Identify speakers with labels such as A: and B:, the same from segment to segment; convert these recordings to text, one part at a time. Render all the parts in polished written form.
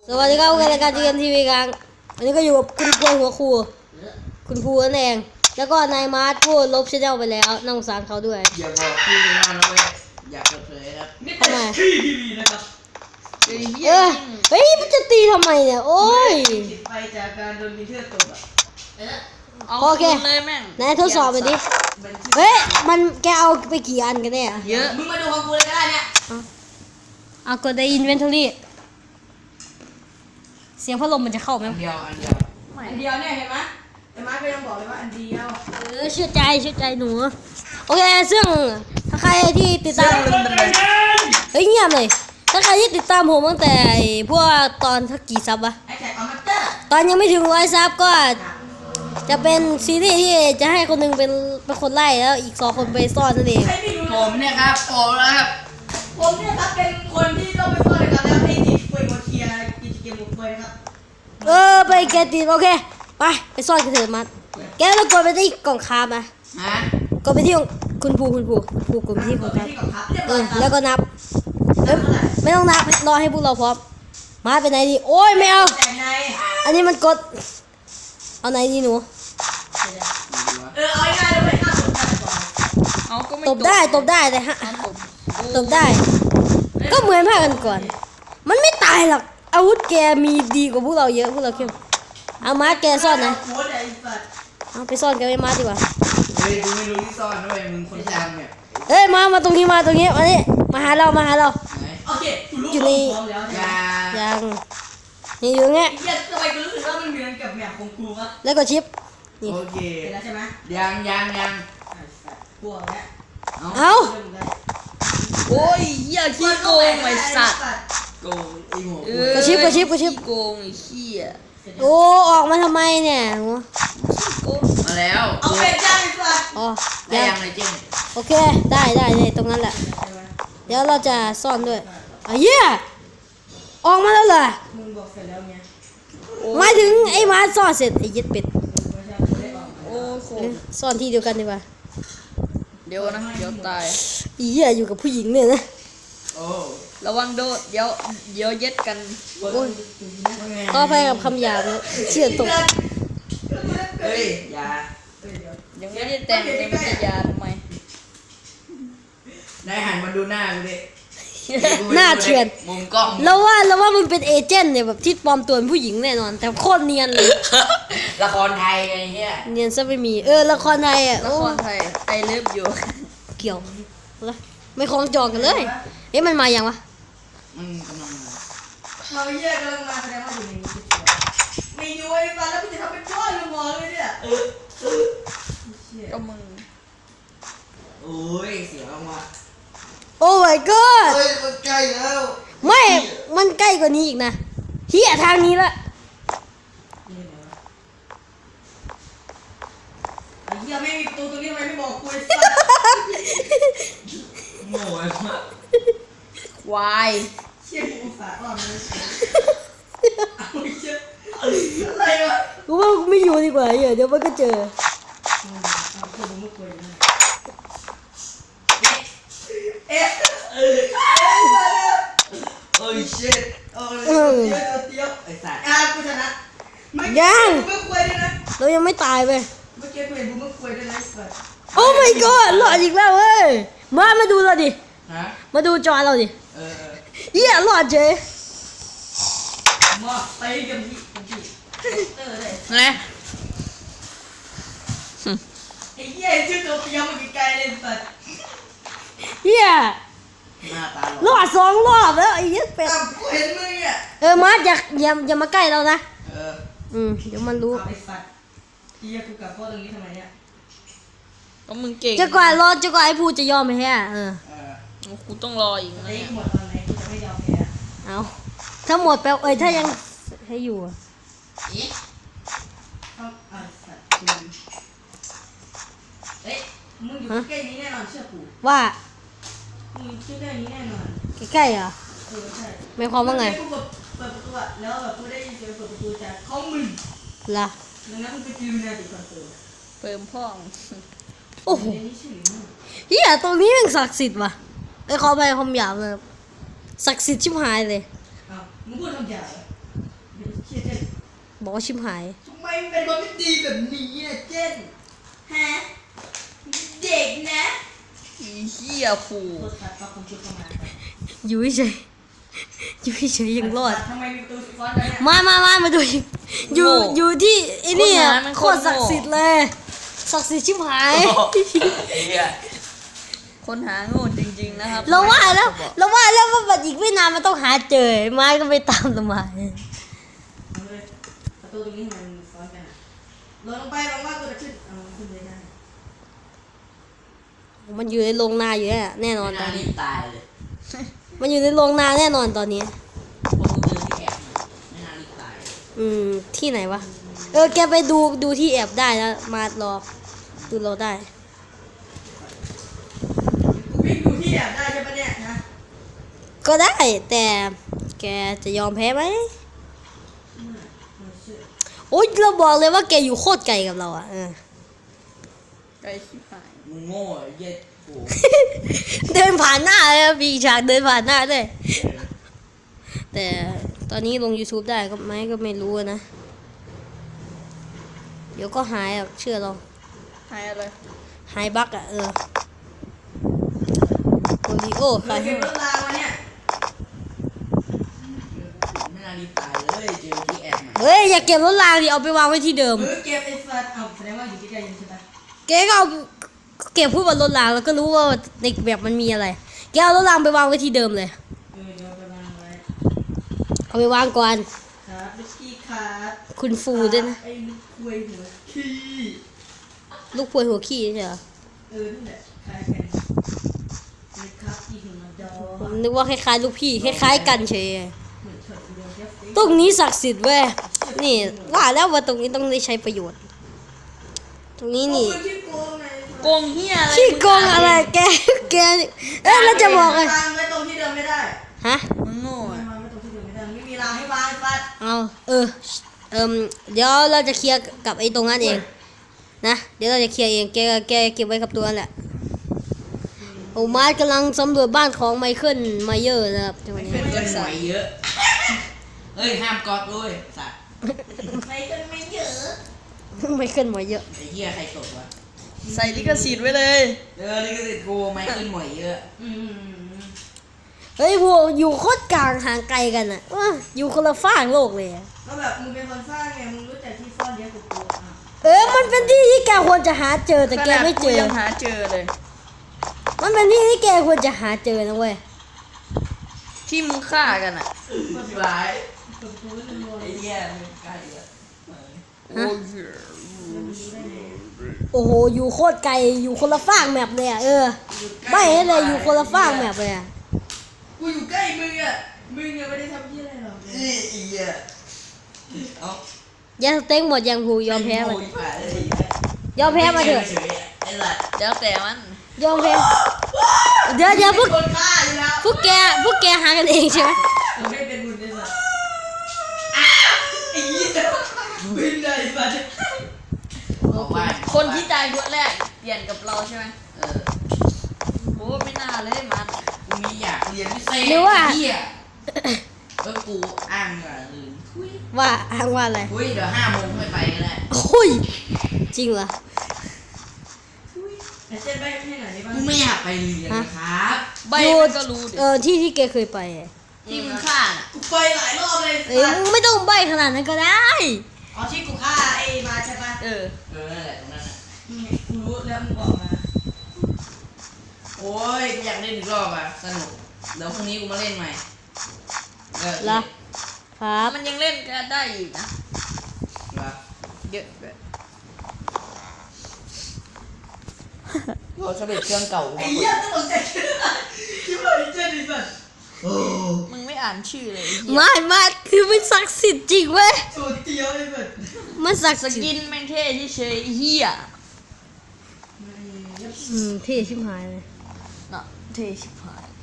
A: สวัสดีครับรายการจีเอ็มทีวีกลางวันนี้ก็อยู่กับคุณกล้วยหัวครูคุณครูนั่นเองแล้วก็นายมาร์ทพูดลบชแนลไปแล้วน่าสงสารเขาด้วย
B: อย่าบอกพี่เลยนะเว้ยอย่าเปิดเผยครับนี่เป็นที่ทีวีนะครับ
A: เฮ้ยมันจะตีทำไมเนี่ยโอ้ย
B: ติดไปจากการโดนมิเตอร์ตบ
A: โอเคนายทดสอบไปดิเฮ้ยมันแกเอาไปกี่อันกันเนี่ย
B: เยอะมึงมาดูของกูเลยก็ได้เนี่ย
A: เอากดในอินเวนทอรี่เสียงพัดลมมันจะเข้าไหม
B: อันเดียวเนี่ยเห็นไหมไอ้มาร์คก็ยังบอกเลยว่าอันเดียว
A: เชื่อใจหนูโอเคซึ่งถ้าใครที่ติดตามเฮ้ยเงียบเลยถ้าใครที่ติดตามผมตั้งแต่พวกตอนทักกี่ซับวะตอนยังไม่ถึง100 ซับก็จะเป็นซีรีส์ที่จะให้คนนึงเป็นคนไล่แล้วอีก2 คนไปซ่อนนั่นเอง
B: ผมเนี่ยครับผมนะครับผมเนี่ยครับเป็นคนที่ต้องไปซ่อนเลยครับแล้วให้ทีคุยมาเคลียร์กิจเกมหมดเลยครับ
A: ไปแกตีโอเคไปซ่อนกันเถอะมัดแกแล้วกดไปที่กล่องคาบนะกดไปที่คุณภูกดไปที่กล่องคาบแล้วก็นับไม่ต้องนับรอให้พวกเราพร้อมมาไปไหนดีโอ้ยไม่เอาอันนี้มันกดเอาไหนดีหนู
B: เอาง่ายๆเลย
A: ตบได้แต่ฮะตบได้ก็เหมือนภาคกันก่อนมันไม่ตายหรอกอาวุธแกมีดีกว่าพวกเราเยอะพวกเราเข้มเอามาแกซ่อนนะเอาไปซ่อนกันไปมาดีกว่า
B: เฮ้ยกูไม่รู้ที่ซ่อนด้วยมึงคนจำเนี่ย
A: มาตรงนี้มานี่มาหาเรา
B: โอเค
A: อยู่นี่ยังนี่อยู่เงี้ย
B: ทำไมกูรู้สึกว่ามันเหมือนกับแมปของกูวะ
A: แล้วก็ชิป
B: โอเคแล้วใช่ไหมยังกลัวแล้ว
A: เอา
C: โอ้ยเหี้ยขี้โกงไอ้สัตว์
B: โกงไอ้หมู
A: กระชิบ
C: โกงไอ้ขี้อ่ะ
A: โอ้ออกมาทำไมเนี่ย
B: มาแล้วเอาเป็นจ้างไอ้สัตว์
A: อ๋อ
B: ยังเลยจริง
A: โอเคได้ตรงนั้นแหละเดี๋ยวเราจะซ่อนด้วยเหี้ยออกมาแล้วเหรอ
B: มึงบอกเสร็จแล้วไง
A: มาถึงไอ้มาซ่อนเสร็จไอ้ยึดเป็ด
C: โอ้โห
A: ซ่อนที่เดียวกันดีกว่า
C: เดี๋ยวตาย
A: เหี้ยอยู่กับผู้หญิงเนี่ยนะ
C: ระวังโดดเดี๋ยวเย็ดกัน
A: ก็ไปกับคำหยาบนะเชื่อตก
B: เฮ้ยอย่า
C: ยังไม่ได้แต่งเลยมันจะยาทำไม
B: ได้หันมาดูหน้ากูดิ
A: หน้าเถื่อน
B: มุมกล้อง
A: แล้วว่ามันเป็นเอเจนต์เนี่ยแบบที่ปลอมตัวเป็นผู้หญิงแน่นอนแต่โคตรเนียนเลย
B: ละครไทยไงเงี้ย
A: เนียนซะไม่มีละครไทย
C: ละครไทยไอเลิฟอยู่
A: เกี่ยวไม่คล้องจองกันเลยมันมาอย่างวะ
B: กำลังมาเราแยกกำลังมาแสดงว่าอยู่ในนี้ไม่อยู่ไอ้บ้านแล้วมึงจะทำเป็นก้อนลงมาเลยเนี่ย
C: ก็มึง
B: โอ้ยเสียงมา
A: โอ้ my god
B: เฮ้ยมันใกล้แล้ว
A: ไม่มันใกล้กว่านี้อีกนะเฮียทางนี้ละ
B: ไอ้เหี้ยไม่มีประตูตรงนี้ทำไมไม่บอกกูไอ้สัสโง่ไอ้สัส
C: วาย
B: เชี่ยกูสาดว่ามันเอาเชี่ยอะไรวะ
A: กูว่ากูไม่อยู่ดีกว่าเดี๋ยวมันก็เจอ
B: โอ้ยเชี่ยเตี้ยไอ้สัสกูชนะ
A: ยัง
B: เรา
A: ยังไม่ตายไป
B: เมื่อกี้กูเห็นบูมคุยด้วยนะสัส
A: โอ้ my god หลอดอีกแล้วเว้ยมาดูเราดิมาดูจอเราดิเหี้ยหลอดเจ๊
B: มาไปกันที่
C: ไง
B: ไอ้เหี้ยชื่อตัวเตี้ยมันไกลเลยสัส
A: เหี้ยหลอด2 รอบแล้วไอ้ยัดเป็ด
B: กูเห็นมึงอ่ะ
A: มาอย่ามาใกล้เรานะเดี๋ยวมันรู้
B: ไอ้สัสเหี้ยกูกลับพ่อตรงนี้ทำไมเนี่ย
C: ก็มึงเก่ง
A: จะกว่าไอ้ผู้จะยอมไหมฮะ
C: กูต้องรออีกนะ
B: หมดตอนไหนกูจะไม่ยอมแพ้
A: เอาถ้าหมดแปลถ้ายังให้อยู่
B: เฮ้ยมึงอยู่ใกล้นี้แน่นอนเชื่อกู
A: ว่า
B: มึงอยู่ใกล้นี้แน่นอน
A: ใกล้เหรอ
B: ใช่
A: ไม่ความว่าไง
B: กูเปิดประตูแล้วแบบกูได้ยินเสียงเปิดประตูจากห้องมึง
A: ล่ะ
B: ดังนั้นมึงไปกินนาติคอนเสิร์ต
C: เปิมพ่อง
A: โอ้โหเฮียตรงนี้มันศักดิ์สิทธิ์ว่ะขอไปคำหยาบเลยศักดิ์สิทธิ์ชิบหายเลย
B: มึงพูดคำหยาบ
A: บอกว่าชิมหาย
B: ทำไมมันเป็นคนไม่ดีแบบนี้อ่ะเจนฮะเด็กนะ
C: อีเหี้ยผู
B: โทษครับคุณชุดเข้ามา
A: อยู่เฉยอยู่เฉยยังรอด
B: ทำไมมีประตูซ้อนกันเนี่ย
A: มาดูอยู่ที่ไอ้นี่โคตรศักดิ์สิทธิ์เลยศักดิ์สิทธิ์ชิบหาย
C: คนหาโง่จริงๆนะครับ
A: เราว่าแล้วว่าบัดอีกไม่นานมันต้องหาเจอไม้ก็ไปตามทำไม
B: เอาเลยประตูตรงนี้มันซ้อนกันอะลงไปลงมากูจะขึ้นเอาขึ้นเลยได้
A: มันอยู่ในโรงนาอยู่แน่นอนตอน
C: รี
A: นี้
C: บตายเลย
A: มันอยู่ในโรงนาแน่นอนตอนนี้
C: ผมเจอที่แอบไม่น่ารีบตาย
A: ที่ไหนวะแกไปดูที่แอบได้นะมารอดูเราได้
B: กูวิ่งดูที่แอบได้ใช่ปะเนี่ยนะ
A: ก็ได้แต่แกจะยอมแพ้ไหมโอ๊ยเราบอกเลยว่าแกอยู่โคตรไกลกับเราอ่ะ
C: ไกลชิบหาย
D: มึงโง่ไอ้เหี้ย็ดกู
A: เดินผ่านหน้าเลยมีฉากเดินผ่านหน้าด้วยแต่ตอนนี้ลง YouTube ได้ก็ไหมก็ไม่รู้นะเดี๋ยวก็หายอ่ะเชื่อเรา
C: หายอะไร
A: หายบั๊กอ่ะโอริโอ
B: เรา
A: ใคร
B: เก็บรถรางมาเนี่ย
D: ไม่น่ารีบตายเลยเจอที่แอบมา
A: เฮ้ยอย่าเก็บรถรางดิเอาไปวางไว้ที่เดิม
B: เก็บไอ้สัตว์เอาแสดงว่าอยู่ที่ใกล้ยังใช่ปะ
A: แกก็เอาเก็บพูดบนรถรางแล้วก็รู้ว่าในแบบมันมีอะไรแกเอารถรางไปวางไว้ที่เดิมเลย
B: เดี๋ยวไปวางไว้
A: เอาไปวางก่อน
B: ครับลูกขี้ขาด
A: คุณฟูด้วยนะ
B: ไอ้ลูกคุยหัวขี้
A: ลูกพวยหัวขี้ใช่เหรอ
B: นั่นแหละคล้ายกันนี่ครับที่หัวดอ
A: ผมนึกว่าคล้ายๆลูกพี่คล้ายๆกันเฉย
B: เหมือนเฉิดเดียวแค่ฟิ
A: ตรงนี้ศักดิ์สิทธิ์เว้ยนี่ว่าแล้วว่าตรงนี้ต้องได้ใช้ประโยชน์ ตรงนี้นี่
B: ขี้โกงไง
C: โกงเหี้ยอะไร
A: ขี้โกงอะไรแกเราจะบอกเลย
B: วางไว้ตรงที่เดิมไม่ได้
A: ฮะ
C: มึงโง่
B: วาง
C: อะ
B: ไว้ตรงที่เดิมไม่ได้ไม่มีรางให้วางไอ้ฟัด
A: เอาเดี๋ยวเราจะเคลียร์กับไอ้ตรงนั้นเองนะเดี๋ยวเราจะเคลียร์เองแกเก็บไว้กับตัวนั่นแหละโอ้มาร์ทกำลังสำรวจบ้านของไมเคิลไมเยอร์นะครับจังหวะนี้
D: เพื่อนหน่อยเยอะ เฮ้ยห้ามกอดด้วยสัตว์
B: ไม่กันไม่เยอะ
A: ไมเคิลไมเยอร์
D: ไอ้เหี้ยใครตกวะ
C: ใส่ลิขสิทธิ์ไว้เลย
D: นี่ก็ติดกูไม่ขึ้นหน่อยเยอะ
A: เฮ้ยพวกอยู่โคตรกลางห่างไกลกันอ่ะว้าอยู่คนละฝั่งโลกเลยอะ
B: ก็แบบมึงเป็นคนสร้างไงมึงรู้จักที่ซ่อนเยอะกว่ากู
A: มันเป็นที่ที่แกควรจะหาเจอแต่แกไม่เจ
C: ขนาด
A: อ
C: ยังหาเจอเลย
A: มันเป็นที่ที่แกควรจะหาเจอนะเว้ย
C: ที่มึงฆ่ากันอ่ะ
D: สบาย
B: กดกูไม่รู้
D: ไอ้เหี้ยมึงใกล้อะ
C: โอ้ย
A: โอ้โหอยู่โคตรไกลอยู่คนละฝั่งแมปเลยอ่ะไม่ให้เลยอยู่คนละฝั่งแมปเลยอ่ะ
B: กูอยู่ใกล้มึงอ่ะมึงยังไม่ได้ทำยี่อะไรหรอก
D: ไอ้เหี้ยเอา
A: ยาสเต็งหมดยังผูยอมแพ้มา
D: โง่อีกฝ่ายเลย
A: ยอมแพ้มาเถอะ
D: ฉยๆไอ้สัตว์
C: แล้วแต่มัน
A: ยอมแพ้เดี๋ยวพวก
B: คนฆ่าอยู่แล้ว
A: พวกแกหากันเองใช่ไหม
B: เราไม่เป็นบุญเลยสัตว์ไอ้เหี้ยบินเลยสัตว์
D: บอกว่า
C: คนที่ตายคนแรกเปลี่ยนกับเราใช่ไหม
D: เออ
C: โอ้ไม่น่าเลยมัน
D: กูมีอยากเรียนพิเศษ
A: หรือว่า
D: เหี้ยแล้วกูอ้างเหรอลืมทุย
A: ว่าอ้างว่าอะไร
D: ทุยเดี๋ยว5 โมงค่อยไปก็ได้
A: โอ้ยจริงเหรอ
B: ไอ้เจ๊ไปให้ไหนบ้าง
D: กูไม่อยากไปเรียนนะครับ
C: ใบมันก็รู้ดิ
A: ที่แกเคยไปอะ
C: ที่มึงฆ่าน่ะ
B: กูไปหลายรอบเลย
A: มึงไม่ต้องใบขนาดนั้นก็ได้
B: อ๋อที่กูฆ่าไอ้มาใช่ปะ
C: เออ
D: นั่นแหละตรงนั้นน่ะ
B: กูรู้แล้วมึงบอกมา
D: โอ้ยกูอยากเล่นอีกรอบอ่ะสนุกเดี๋ยวพรุ่งนี้กูมาเล่นใหม่
A: ละครับ
C: มันยังเล่นกันได้อีกนะ
D: เหรอ
C: เยอะด้วย
D: โอ้ชอบเด็ดเครื่องเก่า
B: ไอ้เหี้ยตลกใจคิดว่าไอ้เจ๊ดิสัตว์
C: มึงไม่อ่านชื่อเลยไอ้เหี้ย
A: มาคือมันศักดิ์สิทธิ์จริงเว้ย
B: สูตรเตียวเลยสัตว์
A: มันศักดิ์
C: ส
A: สิทธิ์
C: กินแม่งเท่เฉยๆไอ้เหี้ย
A: เท่ชิบหายเลย
C: เนาะเท่ชิบหาย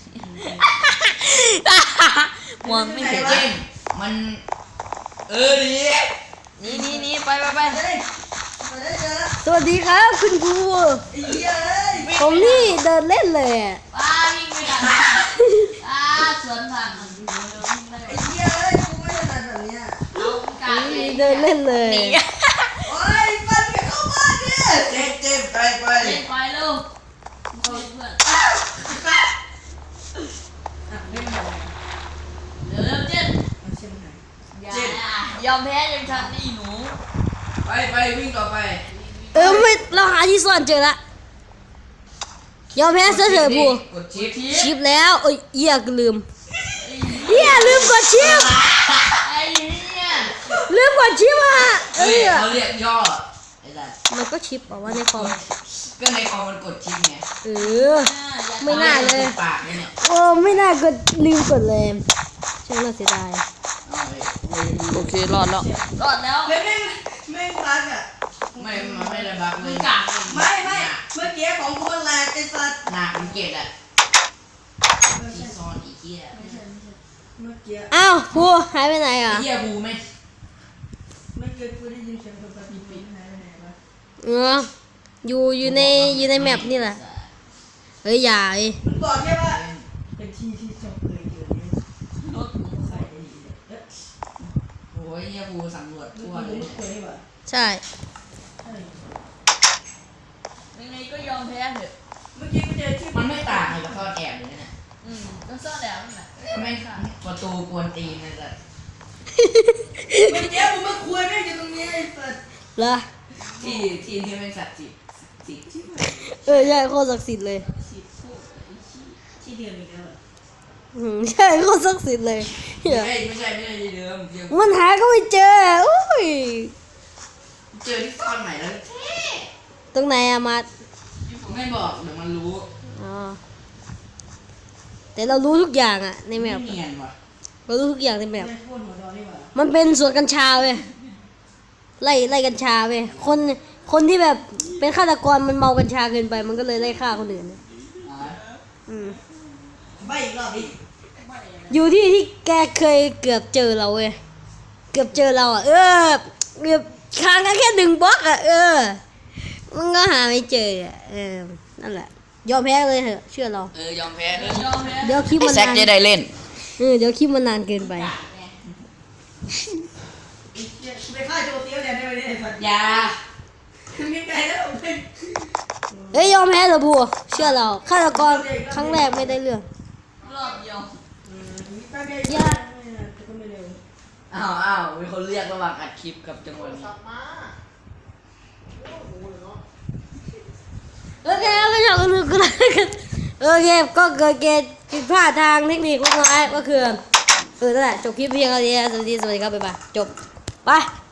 C: มองไม่เห็น
D: เก่งมันดี
C: นี่ไป
B: เฮ้ยมาได้เจอแล้ว
A: สวัสดีครับคุณครู
B: ไอ้เหี้ยเอ้ย
A: ผมนี่เดินเล่นเลยอะ
C: ป้าวิ่งไปกันป้าสวนผ่าน
B: ไอ้เหี้ยเอ้ยกูไม่ถนัดแบบเนี้ย
C: เอากาเอง
A: เดินเล่นเลย
B: โอ้ยฟันเข้าบ้านเนี่ย
D: เจ็บไป
C: เล่นไปเร็วเพื่อน
B: ไม่หมด
C: เร็วเจ็ด
B: เช่นไหน
C: ยอมแพ้ยังทันนี่หนู
D: ไปวิ่งต่อไป
A: ไม่เราหาที่ซ่อนเจอละยอมแพ้ซะเถอะบู
D: กดชิป
A: ชิปแล้วเอ้ยเหี้ยลืมเหี้ยลืมกดชิป
C: ไอ้เนี่ย
A: ลืมกดชิปอ่ะเอ้
D: เฮ้ย
A: ย
D: เขาเรียกย่อไอ้สัส
A: มันก็ชิปบอกว่าในคอม
D: ก็ในคอมมันกดชิปไง
A: เออไม่น่าเลย
D: ปากเนี่ย
A: โอ้ไม่น่ากดลืมกดเลยช่างน่าเสียดาย
C: โอเครอดแล้วรอดแล้ว
B: เฮ้ยแม่งรักอ่ะ
D: มันไม่ระบักเลย
B: ไม่เมื่อกี้ของกูมันแหลกไอ้สัตว์
D: หนักมันเกล็ดอะที่ซ่อนอีเหี้ย
B: เมื่อกี้
A: อ้าวพูหายไปไหนอ่ะ
D: ไอ้เหี้ยบูไหม
B: เมื่อกี้กูได้ยินเสียงคนแบบปี๊หายไปไหนวะ
A: อยู่ในแมปนี่แหละเฮ้ยอย่าเอ้ย
B: มันบอกแค่ว่าเป็นที่ที่จบเคยเจอเนี่ย
C: รถ
B: ใส่ได้ดีเลยเอ๊ะ
D: โอ้ยเหี้ยบูสำรวจทั่ว
B: มัน
D: เลย
B: ไม่เคยนี่หว่า
A: ใช่
B: ใช่
C: ยังไงก็ยอมแพ้เถอะ
B: เมื่อกี้กูเจอที่
D: มันไม่ต่างเลยกับซ่อนแอบเลยนะ
C: ก็ซ่อนแล้วนั่นแหละ
D: ไม่ประตูกวนตีนเลยสัส
B: เมื่อกี้กูมาคุยแม่งอยู่ตรงนี้ไอ้สัตว์
A: เหรอ
D: ที่เป็นสัตว์จิต
A: ใช่โคตรศักดิ์สิทธิ์เลย
B: ที่เดียวอีกแล้วเหรอ
A: ใช่โคตรศักดิ์สิทธิ์เลยเหี้ย
D: ไม่ใช่ที่เดิมเดี๋ยว
A: มันหาก็ไม่เจออุ้ย
D: เจอที่ซ่อนใหม่แล้ว
A: ตรงไหนอะมัด
D: ไม่บอกเดี๋ยวมันรู้
A: อ๋อแต่เรารู้ทุกอย่างอะในแมป
D: เนียนว่ะ
A: เรารู้ทุกอย่างในแมป
B: ไม่พูดหัวดอนนี่หว่า
A: มันเป็นสวนกัญชาเว้ยไล่กัญชาเว้ยคนที่แบบเป็นฆาตกรมันเมากัญชาเกินไปมันก็เลยไล่ฆ่าคนอื่นเนี่ยอืม
B: ใบอีกรอบดิ
A: อยู่ที่แกเคยเกือบเจอเราเว้ยเกือบเจอเราอ่ะเกือบค้างกันแค่1 บล็อกอ่ะมันก็หาไม่เจออ่ะนั่นแหละยอมแพ้เลยเถอะเชื่อเรา
D: ยอมแพ้
C: ยอมแพ้
A: เดี๋ยวคลิปมัน
D: แซก
A: นาน
D: จะได้เล่น
A: เดี๋ยวคลิปมันนานเกินไป
B: ไปฆ่าโจเตี้ยวแดนได้ไหมเนี่ยไอ้สัตว์
D: ยา
B: มีไก่แล้วเป็น
A: เฮ้ยยอมแพ้เถอะบัวเชื่อเราฆาตกรครั้งแรกไม่ได้เรื่อง
C: รอบเดียว
B: มีแป้งไก่ก็ไม่เร็ว
D: อ้าวมีคนเรียกระหว่างอัดคลิปกับจังหวะนี้
A: โอเคก็อยากรู้กันกันโอเคก็เกิดผิดพลาดทางเทคนิคเล็กน้อยก็คือนั่นแหละจบคลิปเพียงเท่านี้สวัสดีครับบ๊ายบายจบไป